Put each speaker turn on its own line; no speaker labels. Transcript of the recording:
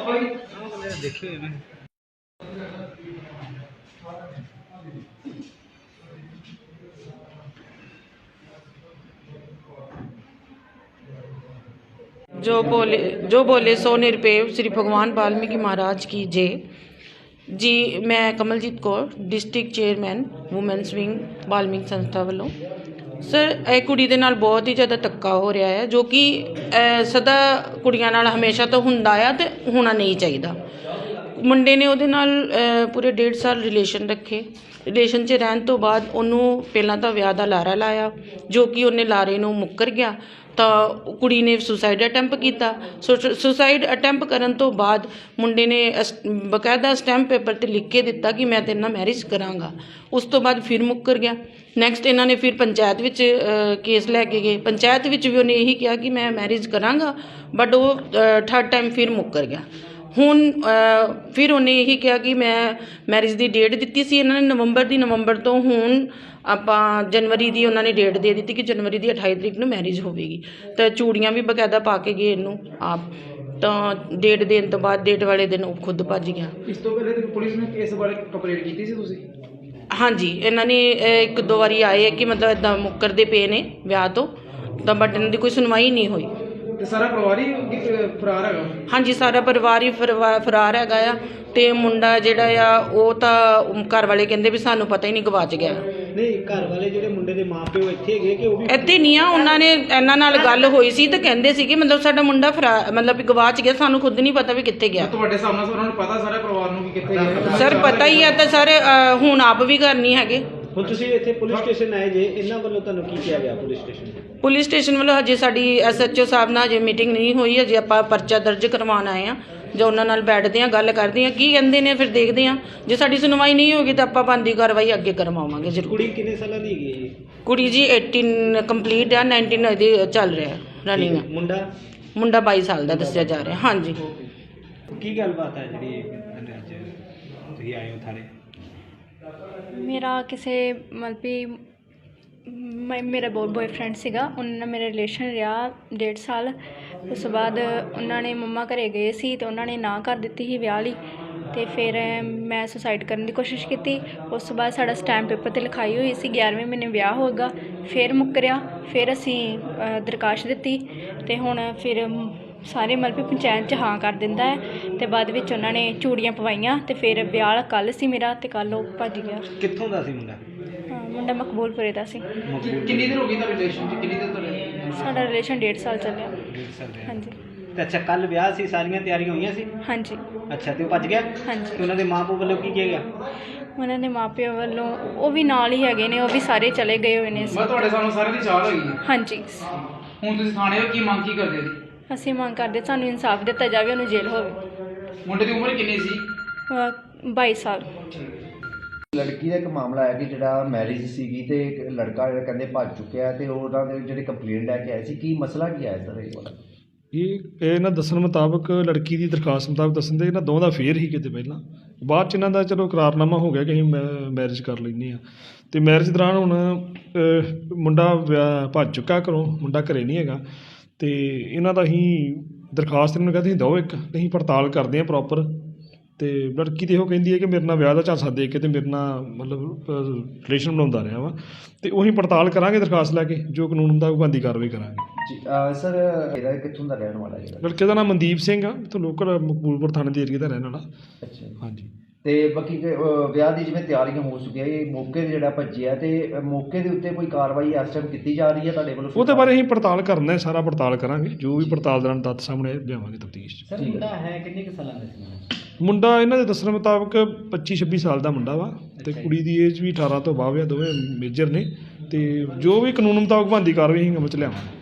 ਦੇਖਿਓ ਮੈਂ
जो बोले सो निरपेव श्री भगवान वाल्मीकि महाराज की जय जी। मैं Kamaljit Kaur district chairman women's wing Valmiki संस्था वालों। सर ਇਹ ਕੁੜੀ ਦੇ ਨਾਲ ਬਹੁਤ ਹੀ ਜ਼ਿਆਦਾ ਧੱਕਾ ਹੋ ਰਿਹਾ ਹੈ ਜੋ ਕਿ ਸਦਾ ਕੁੜੀਆਂ ਨਾਲ ਹਮੇਸ਼ਾ ਤੋਂ ਹੁੰਦਾ ਆ ਤੇ ਹੋਣਾ ਨਹੀਂ ਚਾਹੀਦਾ। ਮੁੰਡੇ ਨੇ ਉਹਦੇ ਨਾਲ ਪੂਰੇ 1.5 ਸਾਲ ਰਿਲੇਸ਼ਨ ਰੱਖੇ। ਰਿਲੇਸ਼ਨ 'ਚ ਰਹਿਣ ਤੋਂ ਬਾਅਦ ਉਹਨੂੰ ਪਹਿਲਾਂ ਤਾਂ ਵਿਆਹ ਦਾ ਲਾਰਾ ਲਾਇਆ ਜੋ ਕਿ ਉਹਨੇ ਲਾਰੇ ਨੂੰ ਮੁੱਕਰ ਗਿਆ ਤਾਂ ਕੁੜੀ ਨੇ ਸੁਸਾਈਡ ਅਟੈਂਪ ਕੀਤਾ। ਸੁਸਾਈਡ ਅਟੈਂਪ ਕਰਨ ਤੋਂ ਬਾਅਦ ਮੁੰਡੇ ਨੇ ਬਕਾਇਦਾ ਸਟੈਂਪ ਪੇਪਰ 'ਤੇ ਲਿਖ ਕੇ ਦਿੱਤਾ ਕਿ ਮੈਂ ਤੇਰੇ ਨਾਲ ਮੈਰਿਜ ਕਰਾਂਗਾ। ਉਸ ਤੋਂ ਬਾਅਦ ਫਿਰ ਮੁੱਕਰ ਗਿਆ। ਨੈਕਸਟ ਇਹਨਾਂ ਨੇ ਫਿਰ ਪੰਚਾਇਤ ਵਿੱਚ ਕੇਸ ਲੈ ਕੇ ਗਏ। ਪੰਚਾਇਤ ਵਿੱਚ ਵੀ ਉਹਨੇ ਇਹੀ ਕਿਹਾ ਕਿ ਮੈਂ ਮੈਰਿਜ ਕਰਾਂਗਾ ਬਟ ਉਹ 3rd ਟਾਈਮ ਫਿਰ ਮੁੱਕਰ ਗਿਆ। ਹੁਣ ਫਿਰ ਉਹਨੇ ਇਹੀ ਕਿਹਾ ਕਿ ਮੈਂ ਮੈਰਿਜ ਦੀ ਡੇਟ ਦਿੱਤੀ ਸੀ ਇਹਨਾਂ ਨੇ ਨਵੰਬਰ ਤੋਂ ਹੁਣ ਆਪਾਂ ਜਨਵਰੀ ਦੀ ਉਹਨਾਂ ਨੇ ਡੇਟ ਦੇ ਦਿੱਤੀ ਕਿ ਜਨਵਰੀ ਦੀ 28 ਤਰੀਕ ਨੂੰ ਮੈਰਿਜ ਹੋਵੇਗੀ। ਤਾਂ ਚੂੜੀਆਂ ਵੀ ਬਕਾਇਦਾ ਪਾ ਕੇ ਗਏ ਇਹਨੂੰ ਆਪ। ਤਾਂ ਡੇਟ ਦੇਣ ਤੋਂ ਬਾਅਦ ਡੇਟ ਵਾਲੇ ਦਿਨ ਉਹ ਖੁਦ ਭੱਜ ਗਿਆ।
ਇਸ ਤੋਂ ਪਹਿਲੇ ਪੁਲਿਸ ਨੇ ਇਸ ਬਾਰੇ ਕੰਪਲੇਂਟ ਕੀਤੀ ਸੀ ਤੁਸੀਂ? ਹਾਂਜੀ,
ਇਹਨਾਂ ਨੇ 1-2 ਵਾਰੀ ਆਏ ਹੈ ਕਿ ਮਤਲਬ ਇੱਦਾਂ ਮੁੱਕਰਦੇ ਪਏ ਨੇ ਵਿਆਹ ਤੋਂ ਤਾਂ ਬਟ ਇਹਨਾਂ ਦੀ ਕੋਈ ਸੁਣਵਾਈ ਨਹੀਂ ਹੋਈ।
ਤੇ ਸਾਰਾ ਪਰਿਵਾਰ ਹੀ ਫਰਾਰ ਹੈਗਾ?
ਹਾਂਜੀ, ਸਾਰਾ ਪਰਿਵਾਰ ਹੀ ਫਰਾਰ ਹੈਗਾ ਆ। ਤੇ ਮੁੰਡਾ ਜਿਹੜਾ ਆ ਉਹ ਤਾਂ ਘਰ ਵਾਲੇ ਕਹਿੰਦੇ ਵੀ ਸਾਨੂੰ ਪਤਾ ਹੀ ਨਹੀਂ ਗਵਾਚ ਗਿਆ।
ਨਹੀਂ, ਘਰ ਵਾਲੇ ਜਿਹੜੇ ਮੁੰਡੇ ਦੇ ਮਾਪਿਓ ਇੱਥੇ ਹੈਗੇ ਕਿ ਉਹ ਵੀ
ਇੱਥੇ ਨਹੀਂ ਆ। ਉਹਨਾਂ ਨੇ ਇਹਨਾਂ ਨਾਲ ਗੱਲ ਹੋਈ ਸੀ ਤਾਂ ਕਹਿੰਦੇ ਸੀਗੇ ਮਤਲਬ ਸਾਡਾ ਮੁੰਡਾ ਮਤਲਬ ਵੀ ਗਵਾਚ ਗਿਆ, ਸਾਨੂੰ ਖੁਦ ਨਹੀਂ ਪਤਾ ਵੀ ਕਿੱਥੇ ਗਿਆ।
ਤੁਹਾਡੇ ਸਾਹਮਣੇ ਉਹਨਾਂ ਨੂੰ ਪਤਾ ਸਾਰੇ ਪਰਿਵਾਰ ਨੂੰ ਕਿ ਕਿੱਥੇ ਗਿਆ?
ਸਰ ਪਤਾ ਹੀ ਆ ਤਾਂ ਸਰ ਹੁਣ ਆਪ ਵੀ ਘਰ ਨਹੀਂ ਹੈਗੇ।
ਹੁਣ ਤੁਸੀਂ ਇੱਥੇ ਪੁਲਿਸ ਸਟੇਸ਼ਨ ਆਏ ਜੇ, ਇਹਨਾਂ ਵੱਲੋਂ ਤੁਹਾਨੂੰ ਕੀ ਕਿਹਾ ਗਿਆ ਪੁਲਿਸ ਸਟੇਸ਼ਨ?
ਪੁਲਿਸ ਸਟੇਸ਼ਨ ਵੱਲੋਂ ਹਜੇ ਸਾਡੀ SHO ਸਾਹਿਬ ਨਾਲ ਹਜੇ ਮੀਟਿੰਗ ਨਹੀਂ ਹੋਈ। ਹਜੇ ਆਪਾਂ ਪਰਚਾ ਦਰਜ ਕਰਵਾਉਣ ਆਏ ਹਾਂ। ਜੋ ਉਹਨਾਂ ਨਾਲ ਬੈਠਦੇ ਹਾਂ, ਗੱਲ ਕਰਦੇ ਹਾਂ, ਕੀ ਕਹਿੰਦੇ ਨੇ ਫਿਰ ਦੇਖਦੇ ਹਾਂ। ਜੇ ਸਾਡੀ ਸੁਣਵਾਈ ਨਹੀਂ ਹੋਗੀ ਤਾਂ ਆਪਾਂ ਬਣਦੀ ਕਾਰਵਾਈ ਅੱਗੇ ਕਰਵਾਵਾਂਗੇ ਜ਼ਰੂਰ।
ਕੁੜੀ ਕਿੰਨੇ ਸਾਲਾਂ ਦੀ ਹੈਗੀ ਹੈ?
ਕੁੜੀ ਜੀ 18 ਕੰਪਲੀਟ ਆ, 19 ਇਹਦੀ ਚੱਲ ਰਿਹਾ ਰਨਿੰਗ। ਮੁੰਡਾ 22 ਸਾਲ ਦਾ ਦੱਸਿਆ ਜਾ ਰਿਹਾ। ਹਾਂਜੀ,
ਕੀ ਗੱਲਬਾਤ ਹੈ ਜਿਹੜੀ ਅੱਜ ਤੁਸੀਂ ਆਏ ਹੋ ਥਾਣੇ?
ਮੇਰਾ ਕਿਸੇ ਮਤਲਬ ਵੀ ਮੇਰਾ ਬॉयਫ੍ਰੈਂਡ ਸੀਗਾ, ਉਹਨਾਂ ਨਾਲ ਮੇਰਾ ਰਿਲੇਸ਼ਨ ਰਿਹਾ 1.5 ਸਾਲ। ਉਸ ਤੋਂ ਬਾਅਦ ਉਹਨਾਂ ਨੇ ਮੰਮਾ ਘਰੇ ਗਏ ਸੀ ਅਤੇ ਉਹਨਾਂ ਨੇ ਨਾ ਕਰ ਦਿੱਤੀ ਸੀ ਵਿਆਹ ਲਈ। ਅਤੇ ਫਿਰ ਮੈਂ ਸੁਸਾਈਡ ਕਰਨ ਦੀ ਕੋਸ਼ਿਸ਼ ਕੀਤੀ। ਉਸ ਤੋਂ ਬਾਅਦ ਸਾਡਾ ਸਟੈਂਪ ਪੇਪਰ 'ਤੇ ਲਿਖਾਈ ਹੋਈ ਸੀ 11ਵੇਂ ਮਹੀਨੇ ਵਿਆਹ ਹੋਏਗਾ। ਫਿਰ ਮੁੱਕਰਿਆ। ਫਿਰ ਅਸੀਂ ਦਰਖਾਸਤ ਦਿੱਤੀ ਅਤੇ ਹੁਣ ਫਿਰ ਸਾਰੇ ਮਤਲਬ ਵੀ ਪੰਚਾਇਤ 'ਚ ਹਾਂ ਕਰ ਦਿੰਦਾ ਹੈ ਅਤੇ ਬਾਅਦ ਵਿੱਚ ਉਹਨਾਂ ਨੇ ਚੂੜੀਆਂ ਪਵਾਈਆਂ ਅਤੇ ਫਿਰ ਵਿਆਹ ਕੱਲ੍ਹ ਸੀ ਮੇਰਾ ਅਤੇ ਕੱਲ੍ਹ ਉਹ ਭੱਜ ਗਿਆ।
ਕਿੱਥੋਂ ਦਾ ਸੀ ਮੁੰਡਾ?
ਮੁੰਡਾ ਮਕਬੂਲਪੁਰੇ ਦਾ ਸੀ।
ਕਿੰਨੀ ਦੇਰ ਹੋ ਗਈ ਤੁਹਾਡੇ ਰਿਲੇਸ਼ਨ 'ਚ? ਕਿੰਨੀ ਦੇਰ ਤੋਂ?
ਸਾਡਾ ਰਿਲੇਸ਼ਨ 1.5 ਸਾਲ ਚੱਲਿਆ।
1.5 ਸਾਲ ਰਿਹਾ।
ਹਾਂਜੀ।
ਤੇ ਅੱਛਾ, ਕੱਲ੍ਹ ਵਿਆਹ ਸੀ, ਸਾਰੀਆਂ ਤਿਆਰੀਆਂ ਹੋਈਆਂ ਸੀ?
ਹਾਂਜੀ।
ਅੱਛਾ, ਤੇ ਉਹ ਭੱਜ ਗਿਆ?
ਹਾਂਜੀ।
ਤੇ ਉਹਨਾਂ ਦੇ ਮਾਂ ਪਿਓ ਵੱਲੋਂ ਕੀ ਕਿਹਾ ਗਿਆ?
ਉਹਨਾਂ ਦੇ ਮਾਪਿਆਂ ਵੱਲੋਂ ਉਹ ਵੀ ਨਾਲ ਹੀ ਹੈਗੇ ਨੇ, ਉਹ ਵੀ ਸਾਰੇ ਚਲੇ ਗਏ ਹੋਏ ਨੇ।
ਮੈਂ ਤੁਹਾਡੇ ਸਾਹਮਣੇ ਸਾਰਿਆਂ ਦੀ ਚਾਲ ਹੋਈ ਹੈ?
ਹਾਂਜੀ।
ਹੁਣ ਤੁਸੀਂ ਥਾਣੇ ਹੋ, ਕੀ ਮੰਗ ਕੀ ਕਰਦੇ ਜੀ?
ਅਸੀਂ ਮੰਗ ਕਰਦੇ ਸਾਨੂੰ ਇਨਸਾਫ ਦਿੱਤਾ ਜਾਵੇ, ਉਹਨੂੰ ਜੇਲ੍ਹ ਹੋਵੇ।
ਮੁੰਡੇ ਦੀ ਉਮਰ ਕਿੰਨੀ ਸੀ?
22 ਸਾਲ।
ਲੜਕੀ ਦਾ ਇੱਕ ਮਾਮਲਾ ਹੈ ਕਿ ਜਿਹੜਾ ਮੈਰਿਜ ਸੀਗੀ ਤੇ ਇੱਕ ਲੜਕਾ ਜਿਹੜਾ ਕਹਿੰਦੇ ਭੱਜ ਚੁੱਕਿਆ ਤੇ ਉਹਨਾਂ ਦੇ ਜਿਹੜੇ ਕੰਪਲੇਂਟ ਲੈ ਕੇ ਆਏ ਸੀ, ਕੀ ਮਸਲਾ ਕੀ ਆਇਆ ਸਰ ਇਹ ਵਾਲਾ?
ਇਹ ਇਹਨਾਂ ਦੱਸਣ ਮੁਤਾਬਕ, ਲੜਕੀ ਦੀ ਦਰਖਾਸਤ ਮੁਤਾਬਕ ਦੱਸਣ ਦੇ ਇਹਨਾਂ ਦੋਵਾਂ ਦਾ ਫੇਰ ਹੀ ਕਿਤੇ ਪਹਿਲਾਂ, ਬਾਅਦ 'ਚ ਇਹਨਾਂ ਦਾ ਚਲੋ ਇਕਰਾਰਨਾਮਾ ਹੋ ਗਿਆ ਕਿ ਅਸੀਂ ਮੈਰਿਜ ਕਰ ਲੈਂਦੇ ਹਾਂ। ਅਤੇ ਮੈਰਿਜ ਦੌਰਾਨ ਹੁਣ ਮੁੰਡਾ ਭੱਜ ਚੁੱਕਾ ਘਰੋਂ, ਮੁੰਡਾ ਘਰੇ ਨਹੀਂ ਹੈਗਾ। ਅਤੇ ਇਹਨਾਂ ਦਾ ਅਸੀਂ ਦਰਖਾਸਤ ਇਹਨਾਂ ਨੂੰ ਕਹਿੰਦੇ ਦਿਓ ਇੱਕ, ਅਸੀਂ ਪੜਤਾਲ ਕਰਦੇ ਹਾਂ ਪ੍ਰੋਪਰ। ਅਤੇ ਲੜਕੀ ਤਾਂ ਇਹੋ ਕਹਿੰਦੀ ਹੈ ਕਿ ਮੇਰੇ ਨਾਲ ਵਿਆਹ ਦਾ ਝਾਂਸਾ ਦੇ ਕੇ ਅਤੇ ਮੇਰੇ ਨਾਲ ਮਤਲਬ ਰਿਲੇਸ਼ਨ ਬਣਾਉਂਦਾ ਰਿਹਾ ਵਾ। ਅਤੇ ਉਹੀ ਪੜਤਾਲ ਕਰਾਂਗੇ ਦਰਖਾਸਤ ਲੈ ਕੇ, ਜੋ ਕਾਨੂੰਨ ਹੁੰਦਾ ਉਹ ਬਣਦੀ ਕਾਰਵਾਈ ਕਰਾਂਗੇ
ਜੀ। ਸਰ ਇਹਦਾ ਕਿੱਥੋਂ ਦਾ ਰਹਿਣ ਵਾਲਾ ਜਿਹੜਾ?
ਲੜਕੇ ਦਾ ਨਾਮ ਮਨਦੀਪ ਸਿੰਘ ਆ, ਇੱਥੋਂ ਲੋਕਲ ਮਕਬੂਲਪੁਰ ਥਾਣੇ ਦੇ ਏਰੀਏ ਦਾ ਰਹਿਣ ਵਾਲਾ।
ਅੱਛਾ।
ਹਾਂਜੀ।
ਤੇ ਬਾਕੀ ਵਿਆਹ ਦੀ ਜਿਵੇਂ ਤਿਆਰੀਆਂ ਹੋ ਚੁੱਕੀਆਂ, ਇਹ ਮੌਕੇ 'ਤੇ ਜਿਹੜਾ ਭੱਜਿਆ ਅਤੇ ਮੌਕੇ ਦੇ ਉੱਤੇ ਕੋਈ ਕਾਰਵਾਈ ਇਸ ਟਾਈਮ ਕੀਤੀ ਜਾ ਰਹੀ ਹੈ ਤੁਹਾਡੇ ਵੱਲੋਂ?
ਉਹਦੇ ਬਾਰੇ ਅਸੀਂ ਪੜਤਾਲ ਕਰਨਾ, ਸਾਰਾ ਪੜਤਾਲ ਕਰਾਂਗੇ, ਜੋ ਵੀ ਪੜਤਾਲ ਦੌਰਾਨ ਤੱਥ ਸਾਹਮਣੇ ਲਿਆਵਾਂਗੇ ਤਫਤੀਸ਼ 'ਚ।
ਸਰ ਮੁੰਡਾ ਹੈ ਕਿੰਨੇ ਕੁ ਸਾਲਾਂ ਦਾ ਸੀ?
ਮੁੰਡਾ ਇਹਨਾਂ ਦੇ ਦੱਸਣ ਮੁਤਾਬਕ 25-26 ਸਾਲ ਦਾ ਮੁੰਡਾ ਵਾ ਅਤੇ ਕੁੜੀ ਦੀ ਏਜ ਵੀ 18 ਤੋਂ ਬਾਅਦ ਆ, ਦੋਵੇਂ ਮੇਜਰ ਨੇ। ਅਤੇ ਜੋ ਵੀ ਕਾਨੂੰਨ ਮੁਤਾਬਕ ਬਣਦੀ ਕਾਰਵਾਈ ਅਸੀਂ ਅਮਲ 'ਚ ਲਿਆਵਾਂਗੇ।